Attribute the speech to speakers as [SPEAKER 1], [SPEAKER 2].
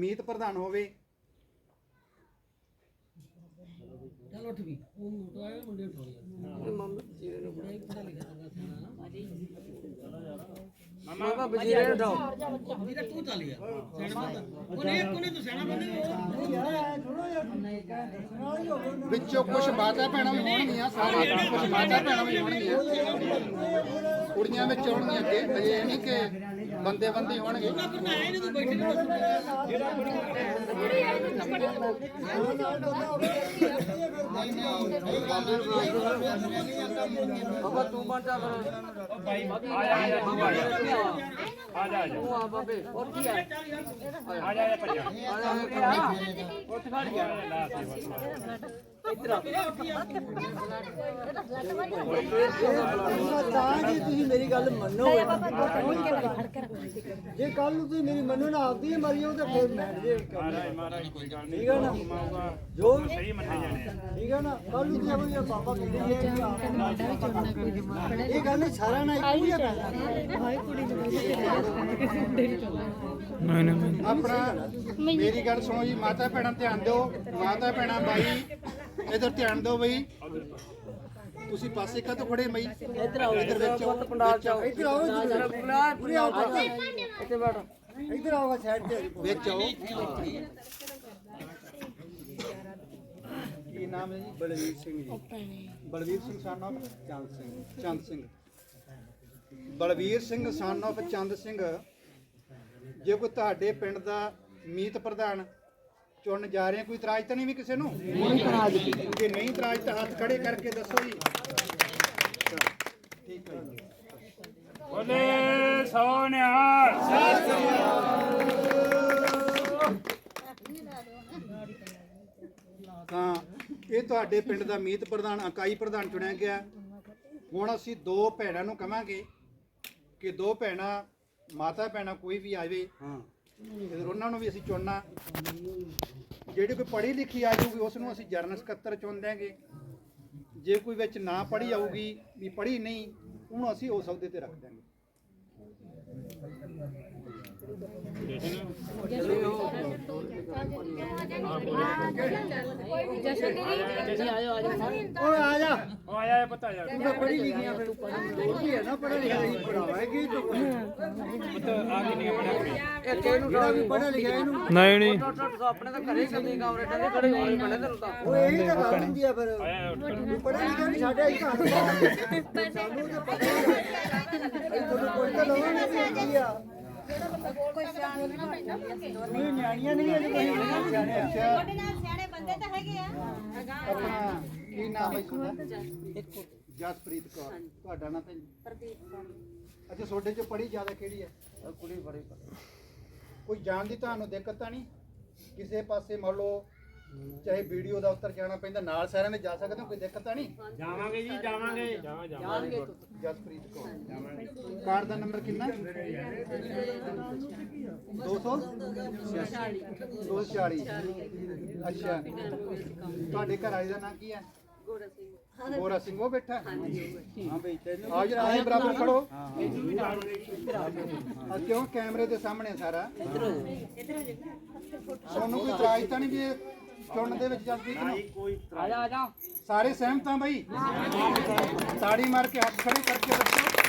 [SPEAKER 1] ਮੀਤ ਪ੍ਰਧਾਨ ਹੋਵੇ।
[SPEAKER 2] ਚੱਲ ਉੱਠ ਵੀ ਉਹ ਮੋਟਾ ਹੈ ਮੁੰਡੇ ਉਠਾ ਲਿਆ ਮਾਮਾ ਜੀ ਨੇ ਬੜਾ ਹੀ ਪੜਾ ਲਿਖਿਆ ਚੰਗਾ ਥਾਣਾ ਮਾਮਾ ਬਜੀਰੇ ਉਠਾਓ ਵੀਰਾ ਤੂੰ ਚੱਲ ਗਿਆ ਸਿਆਣਾ ਬੰਦਾ ਉਹਨੇ ਤੂੰ ਸਿਆਣਾ ਬੰਦੇ
[SPEAKER 1] ਵਿੱਚੋਂ ਕੁਝ ਮਾਤਾ ਭੈਣਾਂ ਵੀ ਹੋਣਗੀਆਂ, ਸਾਰੇ ਕੁਝ ਮਾਤਾ ਭੈਣਾਂ ਵੀ ਹੋਣਗੀਆਂ, ਕੁੜੀਆਂ ਵਿੱਚ ਹੋਣਗੀਆਂ ਅੱਗੇ, ਅਜੇ ਇਹ ਨਹੀਂ ਕਿ ਬੰਦੇ ਬੰਦੇ ਹੋਣਗੇ।
[SPEAKER 2] ਬਾਬਾ ਤੂੰ ਬਣ ਜਾ ਫਿਰ ਆ ਜਾ ਤੂੰ ਆ ਬਾਬੇ ਉੱਠ ਗਿਆ ਆ ਜਾ ਭੱਜਾ ਉੱਠ ਖੜ ਗਿਆ ਇੱਧਰ ਆ
[SPEAKER 3] ਜੀ ਤੁਸੀਂ ਮੇਰੀ ਗੱਲ ਮੰਨੋ ਜੇ ਕੱਲ ਨੂੰ ਤੁਸੀਂ ਮੇਰੀ ਮੰਨੋ ਨਾ ਆਪਦੀ ਮਰੀਓ ਤੇ ਫਿਰ ਮੈਂ ਜੇ
[SPEAKER 4] ਮਹਾਰਾਜ ਕੋਈ ਗੱਲ ਨਹੀਂ,
[SPEAKER 3] ਠੀਕ ਹੈ ਨਾ ਜੋ
[SPEAKER 4] ਸਹੀ ਮੰਨੇ ਜਾਣੇ ਆ।
[SPEAKER 3] ਠੀਕ ਹੈ ਨਾ ਕੱਲ ਨੂੰ ਤੁਸੀਂ ਆਪਣੀ ਬਾਬਾ ਕਹਿੰਦੇ ਇਹ ਗੱਲ ਨਹੀਂ ਸਾਰਾ ਨਾ ਇੱਕੋ ਹੀ ਹੈ
[SPEAKER 1] ਆਪਣਾ ਮੇਰੀ ਗੱਲ ਸੁਣੋ ਜੀ, ਮਾਤਾ ਭੈਣਾਂ ਧਿਆਨ ਦਿਓ, ਮਾਤਾ ਭੈਣਾਂ ਬਾਈ ਇਧਰ ਧਿਆਨ ਦਿਓ ਬਈ। ਤੁਸੀਂ ਪਾਸੇ ਕਾ ਤੋਂ ਖੜੇ ਬਈ,
[SPEAKER 2] ਇੱਧਰ ਆਓ
[SPEAKER 1] ਇਧਰ ਵਿੱਚ ਆਓ,
[SPEAKER 2] ਪੰਡਾਲ ਚ ਆਓ
[SPEAKER 3] ਇੱਧਰ ਆਓ
[SPEAKER 2] ਪੂਰੀ ਆਓ ਇੱਥੇ ਬੈਠ
[SPEAKER 3] ਇੱਧਰ ਆਓ ਸਾਈਡ ਤੇ
[SPEAKER 1] ਵਿੱਚ ਆਓ। ਕੀ ਨਾਮ ਹੈ ਜੀ? ਬਲਵੀਰ ਸਿੰਘ ਜੀ। Balvir Singh son of Chand Singh. Balvir Singh son of ਚੰਦ ਸਿੰਘ, ਜੇ ਕੋਈ ਤੁਹਾਡੇ ਪਿੰਡ ਦਾ ਮੀਤ ਪ੍ਰਧਾਨ ਚੁਣਨ ਜਾ ਰਹੇ, ਕੋਈ ਇਤਰਾਜ਼ ਤਾਂ ਨਹੀਂ ਵੀ ਕਿਸੇ ਨੂੰ? ਜੇ ਨਹੀਂ ਇਤਰਾਜ਼ ਤਾਂ ਹੱਥ ਖੜੇ ਕਰਕੇ ਦੱਸੋ ਜੀ। ਠੀਕ ਹੈ ਜੀ।
[SPEAKER 4] ਬੋਲੇ ਸੋਨਿਹਾਲ
[SPEAKER 1] ਤਾਂ ਇਹ ਤੁਹਾਡੇ ਪਿੰਡ ਦਾ ਮੀਤ ਪ੍ਰਧਾਨ, ਇਕਾਈ ਪ੍ਰਧਾਨ ਚੁਣਿਆ ਗਿਆ। ਹੁਣ ਅਸੀਂ ਦੋ ਭੈਣਾਂ ਨੂੰ ਕਵਾਂਗੇ ਕਿ ਦੋ ਭੈਣਾਂ ਮਾਤਾ ਭੈਣਾਂ ਕੋਈ ਵੀ ਆਵੇ, ਫਿਰ ਉਹਨਾਂ ਨੂੰ ਵੀ ਅਸੀਂ ਚੁਣਨਾ। ਜਿਹੜੀ ਕੋਈ ਪੜ੍ਹੀ ਲਿਖੀ ਆ ਜਾਊਗੀ ਉਸ ਨੂੰ ਅਸੀਂ ਜਰਨਲ ਸਕੱਤਰ ਚੁਣ ਦਿਆਂਗੇ। ਜੇ ਕੋਈ ਵਿੱਚ ਨਾ ਪੜ੍ਹੀ ਆਊਗੀ, ਵੀ ਪੜ੍ਹੀ ਨਹੀਂ, ਉਹਨੂੰ ਅਸੀਂ ਉਸ ਅਹੁਦੇ ਤੇ ਰੱਖ ਦਿਆਂਗੇ।
[SPEAKER 3] ਓਏ ਆ ਜਾ
[SPEAKER 4] ਉਹ ਆਇਆ ਪਤਾ ਯਾਰ
[SPEAKER 3] ਤੂੰ ਤਾਂ ਪੜ੍ਹੀ ਲਿਖੀ ਆ, ਫਿਰ ਹੋਰ ਵੀ ਹੈ ਨਾ ਪੜ੍ਹਿਆ ਲਿਖਿਆ ਹੀ ਪੜਾਵਾਂਗੇ ਤੂੰ
[SPEAKER 4] ਆ ਕੇ ਨਹੀਂ ਬਣਿਆ ਕੁੜੀ
[SPEAKER 2] ਇੱਥੇ ਇਹਨੂੰ
[SPEAKER 3] ਜਿਹੜਾ ਵੀ ਪੜ੍ਹਿਆ ਲਿਖਿਆ ਇਹਨੂੰ
[SPEAKER 5] ਨਹੀਂ
[SPEAKER 2] ਆਪਣੇ ਤਾਂ ਘਰੇ ਕੰਦੀ ਕਮਰੇ ਟੰਗੇ ਖੜੇ ਹੋਣੇ ਪੈਣੇ ਤੈਨੂੰ ਤਾਂ
[SPEAKER 3] ਉਹ ਇਹੀ ਤਾਂ ਗੱਲ ਹੁੰਦੀ ਆ। ਫਿਰ ਪੜ੍ਹਿਆ ਲਿਖਿਆ ਨਹੀਂ ਸਾਡੇ ਹੀ ਘਰ ਸਾਨੂੰ ਤਾਂ ਪਤਾ ਹੀ ਆ ਤੁਹਾਨੂੰ ਕੋਈ ਤਾਂ ਲਾਉਣਾ ਨਹੀਂ ਆ। ਨਹੀਂ ਨਿਆਣੀਆਂ ਨਹੀਂ ਅਜੇ ਕੋਈ ਸਿਆਣੇ ਆ।
[SPEAKER 6] ਤੁਹਾਡੇ ਨਾਲ ਸਿਆਣੇ ਬੰਦੇ ਤਾਂ ਹੈਗੇ ਆ।
[SPEAKER 1] ਆਪਣਾ ਕੀ ਨਾਮ ਹੈ ਤੁਹਾਡਾ? ਜਸਪ੍ਰੀਤ ਕੌਰ। ਤੁਹਾਡਾ ਨਾਮ ਭੈਣ? ਅੱਛਾ, ਤੁਹਾਡੇ ਚੋਂ ਪੜ੍ਹੀ ਜ਼ਿਆਦਾ ਕਿਹੜੀ ਹੈ?
[SPEAKER 2] ਕੁੜੀ ਬੜੀ
[SPEAKER 1] ਕੋਈ ਜਾਣ ਦੀ ਤੁਹਾਨੂੰ ਦਿੱਕਤ ਤਾਂ ਨਹੀਂ? ਕਿਸੇ ਪਾਸੇ ਮੰਨ ਲਓ ਚਾਹੇ ਵੀਡੀਓ ਦਾ ਉੱਤਰ ਜਾਣਾ ਪੈਂਦਾ, ਨਾਲ ਸਾਰਿਆਂ ਦੇ ਜਾ ਸਕਦੇ ਹੋ, ਕੋਈ ਦਿੱਕਤ ਤਾਂ ਨਹੀਂ?
[SPEAKER 4] ਜਾਵਾਂਗੇ ਜੀ ਜਾਵਾਂਗੇ ਜਾਵਾਂਗੇ
[SPEAKER 1] ਜਸਪ੍ਰੀਤ ਕੌਰ। ਕਾਰਡ ਦਾ ਨੰਬਰ ਕਿੰਨਾ? 246। ਅੱਛਾ, ਤੁਹਾਡੇ ਘਰ ਵਾਲੇ ਦਾ ਨਾਂ ਕੀ ਹੈ? ਗੋਰਾ ਸਿੰਘ। ਉਹ ਬੈਠਾ ਹੈ? ਹਾਂ ਬਈ, ਆਓ ਜਰਾ ਆਏ ਬਰਾਬਰ ਖੜੋ। ਕਿਉਂ ਕੈਮਰੇ ਦੇ ਸਾਹਮਣੇ ਸਾਰਾ ਤੁਹਾਨੂੰ ਕੋਈ ਇਤਰਾਜ਼ ਤਾਂ ਨਹੀਂ ਵੀ ਚੁਣਨ ਦੇ ਵਿੱਚ ਜਸਪ੍ਰੀਤ ਨੂੰ?
[SPEAKER 2] ਆ ਜਾ
[SPEAKER 1] ਸਾਰੇ ਸਹਿਮਤ ਆ ਬਈ? ਤਾੜੀ ਮਾਰ ਕੇ ਹੱਥ ਖੜੇ ਕਰਕੇ ਦੱਸੋ।